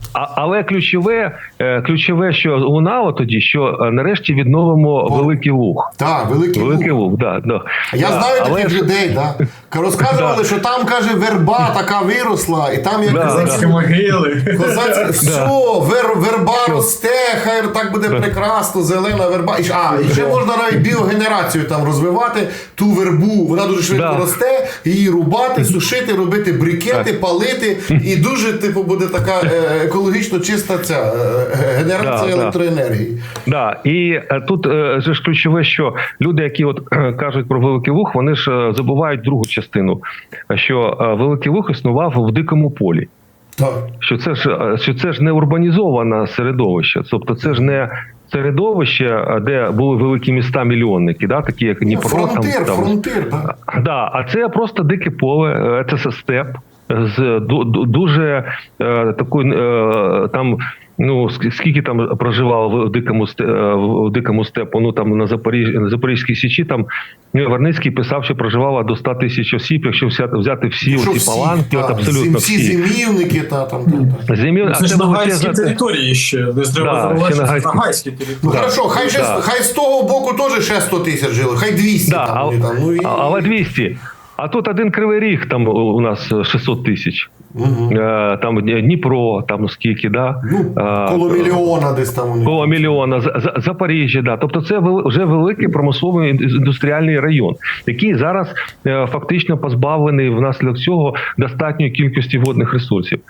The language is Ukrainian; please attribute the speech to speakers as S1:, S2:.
S1: Але ключове, що лунало тоді, що нарешті відновимо Великий Луг.
S2: Так, Великий Луг.
S1: Да.
S2: Я знаю таких людей, да. Розказували, що там, каже, верба така виросла, і там як
S3: козацькі могили.
S2: Все, верба росте, хай так буде прекрасно, зелена верба. І ще можна навіть біогенерацію там розвивати, ту вербу, вона дуже швидко росте, її рубати, сушити, робити брикети, палити, і дуже, типу, буде така екологічно чиста ця генерація електроенергії.
S1: Да, і тут же ж ключове, що люди, які от кажуть про Великий Луг, вони ж забувають другу частину, що Великий Луг існував в дикому полі.
S2: Так.
S1: Що це ж не урбанізоване середовище, тобто це ж не середовище, де були великі міста-мільйонники, да, такі як Дніпро.
S2: Фронтир, так.
S1: Да, а це просто дике поле, це степ з дуже такою там. Ну, скільки там проживало в дикому степу, ну там на Запорізькій Січі, там Верницький писав, що проживало до 100 тисяч осіб, якщо взяти всі оці паланки, от абсолютно всі.
S2: Зимівники, там.
S3: Це ж нагайські території ще, не треба забувати, що нагайські території.
S2: Ну, хорошо, хай з того боку теж ще 100 тисяч жили, хай 200 там.
S1: Але 200. А тут один Кривий Ріг, там у нас 600 тисяч. Там Дніпро, там скільки, да?
S2: Коло мільйона десь там.
S1: Коло мільйона, Запоріжжя, да. Тобто це вже великий промисловий індустріальний район, який зараз фактично позбавлений внаслідок цього достатньої кількості водних ресурсів.